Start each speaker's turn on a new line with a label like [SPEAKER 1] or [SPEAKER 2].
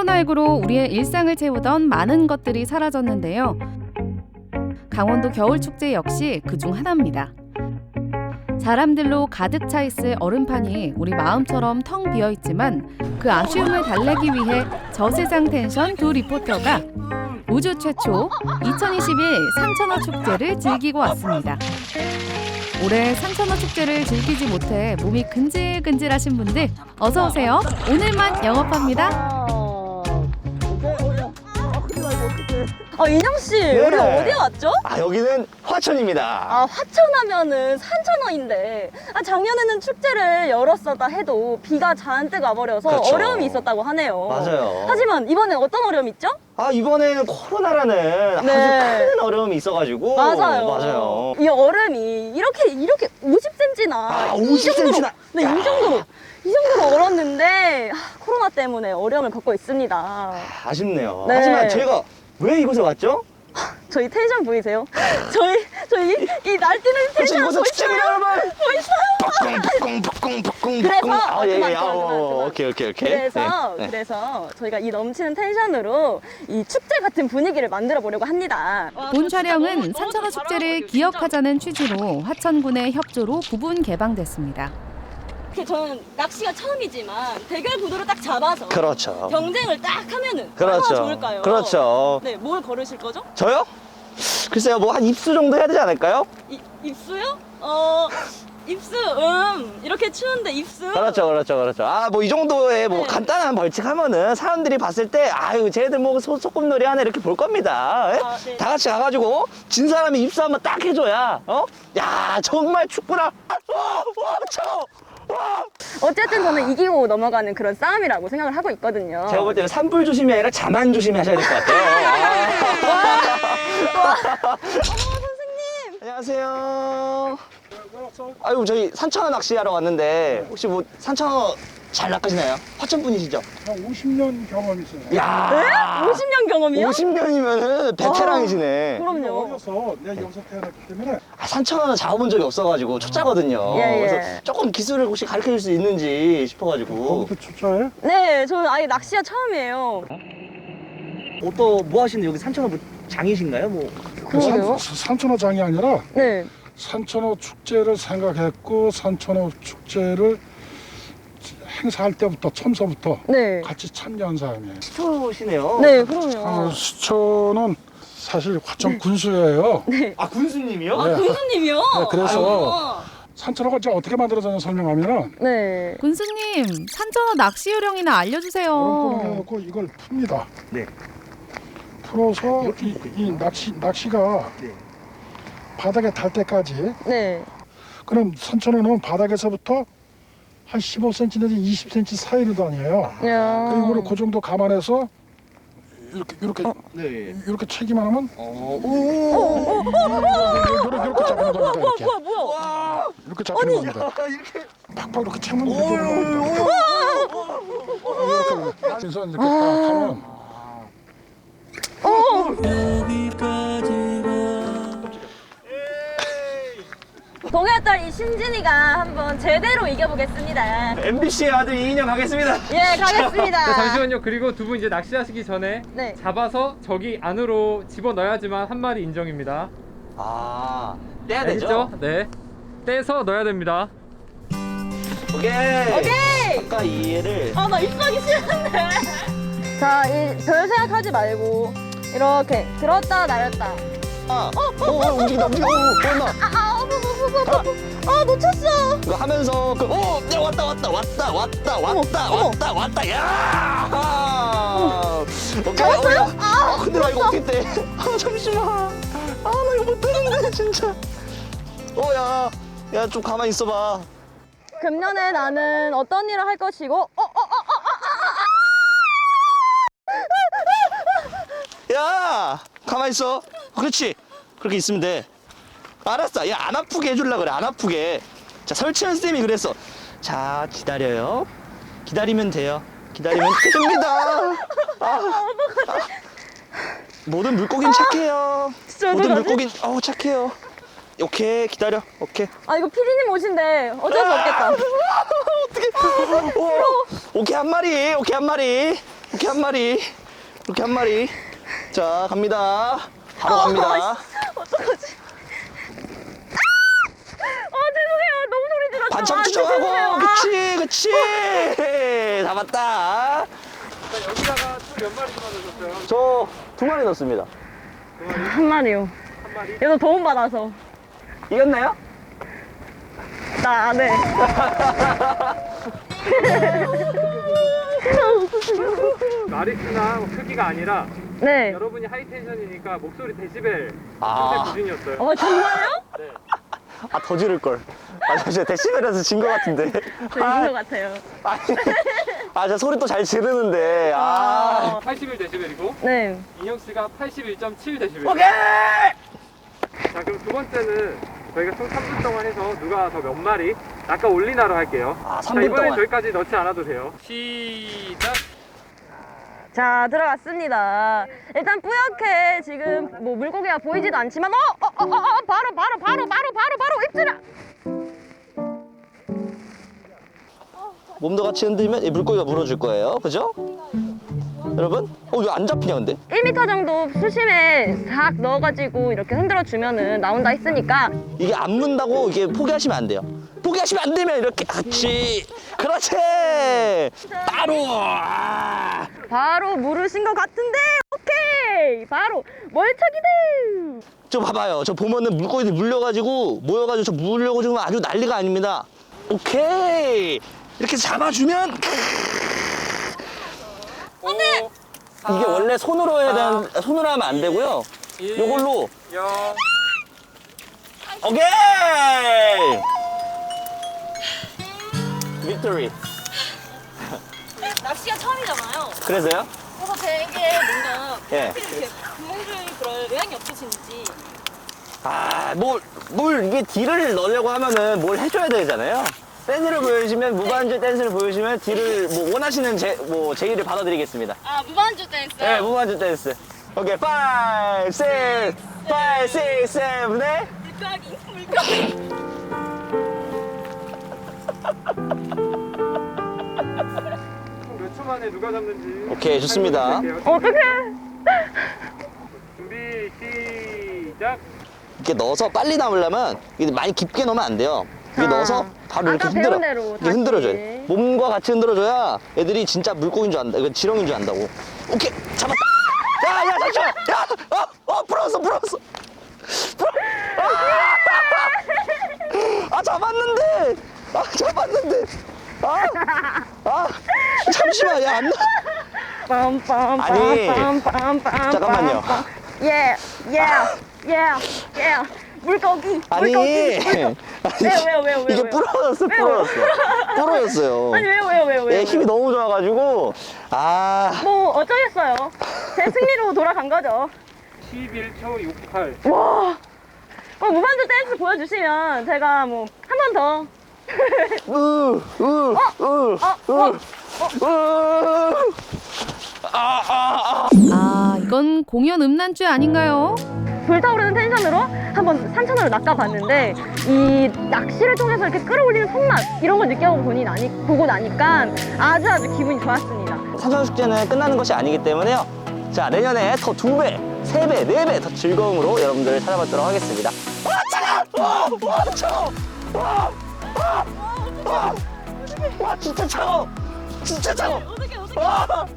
[SPEAKER 1] 코로나19로 우리의 일상을 채우던 많은 것들이 사라졌는데요. 강원도 겨울축제 역시 그중 하나입니다. 사람들로 가득 차 있을 얼음판이 우리 마음처럼 텅 비어 있지만 그 아쉬움을 달래기 위해 저세상 텐션 두 리포터가 우주 최초 2021 산천어 축제를 즐기고 왔습니다. 올해 산천어 축제를 즐기지 못해 몸이 근질근질하신 분들 어서 오세요. 오늘만 영업합니다.
[SPEAKER 2] 인형 씨,
[SPEAKER 3] 네.
[SPEAKER 2] 우리 어디 왔죠?
[SPEAKER 3] 여기는 화천입니다.
[SPEAKER 2] 화천하면은 산천어인데, 작년에는 축제를 열었었다 해도 비가 잔뜩 와버려서
[SPEAKER 3] 그렇죠.
[SPEAKER 2] 어려움이 있었다고 하네요.
[SPEAKER 3] 맞아요.
[SPEAKER 2] 하지만 이번엔 어떤 어려움이 있죠?
[SPEAKER 3] 이번에는 코로나라는
[SPEAKER 2] 네.
[SPEAKER 3] 아주 큰 어려움이 있어가지고. 맞아요.
[SPEAKER 2] 이 얼음이 이렇게 50cm나
[SPEAKER 3] 50cm나.
[SPEAKER 2] 네, 이 정도로 얼었는데 코로나 때문에 어려움을 겪고 있습니다.
[SPEAKER 3] 아쉽네요.
[SPEAKER 2] 네.
[SPEAKER 3] 하지만 저희가 왜 이곳에 왔죠?
[SPEAKER 2] 저희 텐션 보이세요? 저희 이 날뛰는 텐션
[SPEAKER 3] 이곳은 축제입니다, 여러분.
[SPEAKER 2] 보이세요?
[SPEAKER 3] 푹쿵.
[SPEAKER 2] 그래서 그만.
[SPEAKER 3] 오케이.
[SPEAKER 2] 그래서 저희가 이 넘치는 텐션으로 이 축제 같은 분위기를 만들어 보려고 합니다.
[SPEAKER 1] 본 촬영은 산천어 축제를 기억하자는 취지로 화천군의 협조로 부분 개방됐습니다.
[SPEAKER 2] 저는 낚시가 처음이지만 대결 구도를 딱 잡아서
[SPEAKER 3] 그렇죠.
[SPEAKER 2] 경쟁을 딱 하면은
[SPEAKER 3] 그렇죠.
[SPEAKER 2] 얼마나 좋을까요?
[SPEAKER 3] 그렇죠.
[SPEAKER 2] 네, 뭘 걸으실 거죠?
[SPEAKER 3] 저요? 글쎄요, 뭐 한 입수 정도 해야 되지 않을까요?
[SPEAKER 2] 입수요? 입수, 이렇게 추운데 입수?
[SPEAKER 3] 그렇죠. 뭐 이 정도의 뭐
[SPEAKER 2] 네.
[SPEAKER 3] 간단한 벌칙 하면은 사람들이 봤을 때, 쟤네들 뭐 소꿉놀이 하네 이렇게 볼 겁니다. 예?
[SPEAKER 2] 네.
[SPEAKER 3] 다 같이 가가지고 진 사람이 입수 한번 딱 해줘야, 야, 정말 춥구나. 차워.
[SPEAKER 2] 어쨌든 저는 이기고 넘어가는 그런 싸움이라고 생각을 하고 있거든요.
[SPEAKER 3] 제가 볼 때는 산불 조심이 아니라 자만 조심히 하셔야 될 것 같아요.
[SPEAKER 2] 선생님!
[SPEAKER 3] 안녕하세요. 저희 산천어 낚시하러 왔는데 혹시 뭐 산천어 잘 낚으시나요? 화천 분이시죠?
[SPEAKER 4] 한 50년 경험이 있어요.
[SPEAKER 3] 야,
[SPEAKER 2] 50년 경험이요?
[SPEAKER 3] 50년이면은 베테랑이시네.
[SPEAKER 2] 그럼요.
[SPEAKER 4] 어려서 내가 여기서 태어났기 때문에
[SPEAKER 3] 산천어는 잡아본 적이 없어가지고 초짜거든요.
[SPEAKER 2] 예.
[SPEAKER 3] 그래서 조금 기술을 혹시 가르쳐 줄 수 있는지 싶어가지고.
[SPEAKER 4] 거기도 초짜예요?
[SPEAKER 2] 네, 저는 아예 낚시가 처음이에요.
[SPEAKER 3] 또 뭐 하시는데 여기 산천어 뭐 장이신가요? 뭐.
[SPEAKER 2] 그러게요.
[SPEAKER 4] 산천어 장이 아니라
[SPEAKER 2] 네.
[SPEAKER 4] 산천어 축제를 생각했고 산천어 축제를 행사할 때부터 처음서부터
[SPEAKER 2] 네.
[SPEAKER 4] 같이 참여한 사람이에요.
[SPEAKER 3] 수시네요.
[SPEAKER 2] 네, 그럼요.
[SPEAKER 4] 수초는 사실 화천 군수예요.
[SPEAKER 3] 군수님이요?
[SPEAKER 4] 네.
[SPEAKER 2] 군수님이요?
[SPEAKER 4] 네, 그래서 산천어가 이제 어떻게 만들어졌나 설명하면은
[SPEAKER 2] 네.
[SPEAKER 1] 군수님, 산천어 낚시 요령이나 알려주세요.
[SPEAKER 4] 얼음구멍에 넣고 이걸 풉니다.
[SPEAKER 3] 네.
[SPEAKER 4] 풀어서 이 낚시가
[SPEAKER 3] 네.
[SPEAKER 4] 바닥에 닿을 때까지.
[SPEAKER 2] 네.
[SPEAKER 4] 그럼 산천어는 바닥에서부터 한 15cm 내지 20cm 사이로 다녀요.
[SPEAKER 2] 야.
[SPEAKER 4] 그리고 그 정도 감안해서
[SPEAKER 3] 네.
[SPEAKER 4] 이렇게 채기만 하면 이렇게 잡는 겁니다. 이렇게
[SPEAKER 2] 뭐야?
[SPEAKER 4] 이렇게 잡는 겁니다.
[SPEAKER 3] 이렇게.
[SPEAKER 4] 팍팍 이렇게 채면 이렇게 그래서 이렇게 딱 하면
[SPEAKER 2] 동해딸 이 신진이가 한번 제대로 이겨보겠습니다.
[SPEAKER 3] MBC의 아들 이인영 가겠습니다.
[SPEAKER 2] 예, 가겠습니다.
[SPEAKER 5] 네, 잠시만요. 그리고 두 분 이제 낚시하시기 전에
[SPEAKER 2] 네.
[SPEAKER 5] 잡아서 저기 안으로 집어넣어야지만 한 마리 인정입니다.
[SPEAKER 3] 떼야
[SPEAKER 5] 알겠죠? 네. 떼서 넣어야 됩니다.
[SPEAKER 3] 오케이. 아까 이 얘를.
[SPEAKER 2] 나 입수하기 싫은데. 자, 별 생각하지 말고 이렇게 들었다 놨다.
[SPEAKER 3] 움직인다. 보였나?
[SPEAKER 2] 놓쳤어.
[SPEAKER 3] 이거 하면서 야, 왔다. 야! 오케이.
[SPEAKER 2] 잡았어요?
[SPEAKER 3] 근데 나 이거 어떻게 떼? 잠시만. 나 이거 못 떼는데 진짜. 야, 좀 가만히 있어봐.
[SPEAKER 2] 금년에 나는 어떤 일을 할 것이고
[SPEAKER 3] 야, 가만히 있어. 그렇지. 그렇게 있으면 돼. 알았어. 야, 안 아프게 해주려고 그래. 안 아프게. 자, 설치현 쌤이 그랬어. 자, 기다려요. 기다리면 돼요. 기다리면 됩니다. 모든 물고기는 착해요.
[SPEAKER 2] 진짜
[SPEAKER 3] 모든
[SPEAKER 2] 어떡하지?
[SPEAKER 3] 물고기는 착해요. 오케이, 기다려. 오케이.
[SPEAKER 2] 이거 피디님 오신대. 어쩔 수 없겠다.
[SPEAKER 3] 오케이, 한 마리. 이렇게 한 마리. 이렇게 한 마리. 자, 갑니다. 바로 갑니다.
[SPEAKER 2] 어떡하지? 죄송해요. 너무 소리 질렀죠.
[SPEAKER 3] 반창
[SPEAKER 2] 아, 죄송해요.
[SPEAKER 3] 투정하고. 그치. 잡았다.
[SPEAKER 5] 여기다가 총 몇 마리 집어넣으셨어요?
[SPEAKER 3] 저 2마리 넣었습니다.
[SPEAKER 2] 한 마리요.
[SPEAKER 5] 한 마리?
[SPEAKER 2] 얘도 도움 받아서.
[SPEAKER 3] 이겼나요?
[SPEAKER 2] 나 안 해.
[SPEAKER 5] 마리수나 크기가 아니라
[SPEAKER 2] 네.
[SPEAKER 5] 여러분이 하이텐션이니까 목소리 데시벨
[SPEAKER 3] 아.
[SPEAKER 5] 기준이었어요.
[SPEAKER 2] 정말요?
[SPEAKER 5] 네.
[SPEAKER 3] 아, 더 지를걸. 아, 저 진짜 데시벨에서 진 것 같은데.
[SPEAKER 2] 저 이긴 것 같아요.
[SPEAKER 3] 아, 저 소리 또 잘 지르는데. 아.
[SPEAKER 5] 81 데시벨이고
[SPEAKER 2] 네.
[SPEAKER 5] 인형 씨가 81.7 데시벨.
[SPEAKER 3] 오케이!
[SPEAKER 5] 자, 그럼 두 번째는 저희가 총 3분 동안 해서 누가 더 몇 마리 아까 올리나로 할게요.
[SPEAKER 3] 아,
[SPEAKER 5] 자,
[SPEAKER 3] 3분
[SPEAKER 5] 이번엔
[SPEAKER 3] 동안.
[SPEAKER 5] 저희까지 넣지 않아도 돼요. 시작.
[SPEAKER 2] 자, 들어갔습니다. 일단 뿌옇게 지금 뭐 물고기가 보이지도 않지만 바로 입질아.
[SPEAKER 3] 몸도 같이 흔들면 이 물고기가 물어줄 거예요. 그죠? 여러분? 왜 안 잡히냐, 근데?
[SPEAKER 2] 1m 정도 수심에 싹 넣어가지고 이렇게 흔들어 주면은 나온다 했으니까
[SPEAKER 3] 이게 안 문다고 이게 포기하시면 안 돼요. 포기하시면 안 되면 이렇게 같이. 그렇지! 바로! 아.
[SPEAKER 2] 바로 물으신 것 같은데 오케이 바로 멀척이들.
[SPEAKER 3] 저 봐봐요. 저 보면은 물고기들 물려가지고 모여가지고 저 물려고 지금 아주 난리가 아닙니다. 오케이! 이렇게 잡아주면
[SPEAKER 5] 안돼.
[SPEAKER 3] 이게 원래 손으로 해야 되는, 손으로 하면 안 되고요. 요걸로.
[SPEAKER 5] 0.
[SPEAKER 3] 오케이! 빅토리.
[SPEAKER 6] 낚시가 처음이잖아요.
[SPEAKER 3] 그래서요?
[SPEAKER 6] 그래서 되게 뭔가
[SPEAKER 3] 예.
[SPEAKER 6] 이렇게 구멍들이 그럴 의향이 없으신지.
[SPEAKER 3] 아, 이게 딜을 넣으려고 하면은 뭘 해줘야 되잖아요. 댄스를 보여주시면, 무반주 댄스를 보여주시면 딜을 뭐 원하시는 제의를 받아드리겠습니다.
[SPEAKER 6] 아 무반주 댄스.
[SPEAKER 3] 네, 무반주 댄스. 오케이, 5, 6, 7, 8.
[SPEAKER 6] 물고기.
[SPEAKER 5] 몇 초 만에 누가 잡는지.
[SPEAKER 3] 오케이, 좋습니다.
[SPEAKER 2] 어떡해.
[SPEAKER 5] 준비 시작.
[SPEAKER 3] 이렇게 넣어서 빨리 남으려면 이게 많이 깊게 넣으면 안 돼요. 이게
[SPEAKER 2] 아.
[SPEAKER 3] 넣어서 바로 이렇게
[SPEAKER 2] 아까
[SPEAKER 3] 흔들어.
[SPEAKER 2] 배운 대로
[SPEAKER 3] 이렇게
[SPEAKER 2] 다시.
[SPEAKER 3] 흔들어줘야 돼. 몸과 같이 흔들어줘야 애들이 진짜 물고기인 줄 안다. 이거 지렁이인 줄 안다고. 오케이, 잡았다. 야, 잠시만. 야, 풀었어. 잡았는데. 잠시만, 야, 안 나. 아니, 잠깐만요.
[SPEAKER 2] 예. 물고기.
[SPEAKER 3] 아니,
[SPEAKER 2] 왜요?
[SPEAKER 3] 이게 부러졌어요.
[SPEAKER 2] 아니 왜요?
[SPEAKER 3] 얘 힘이 너무 좋아가지고,
[SPEAKER 2] 뭐 어쩌겠어요. 제 승리로 돌아간 거죠.
[SPEAKER 5] 11초 68.
[SPEAKER 2] 와. 무반주 댄스 보여주시면 제가 뭐 한 번 더.
[SPEAKER 1] 이건 공연 음란죄 아닌가요?
[SPEAKER 2] 불타오르는 텐션으로 한번 산천어를 낚아봤는데 이 낚시를 통해서 이렇게 끌어올리는 손맛 이런 걸 보고 나니까 아주 기분이 좋았습니다.
[SPEAKER 3] 산천숙제는 끝나는 것이 아니기 때문에요. 자, 내년에 더 2배, 3배, 4배 더 즐거움으로 여러분들을 찾아뵙도록 하겠습니다. 차가워! 차가워! 진짜 차가워!
[SPEAKER 6] 어떻게.
[SPEAKER 3] 와!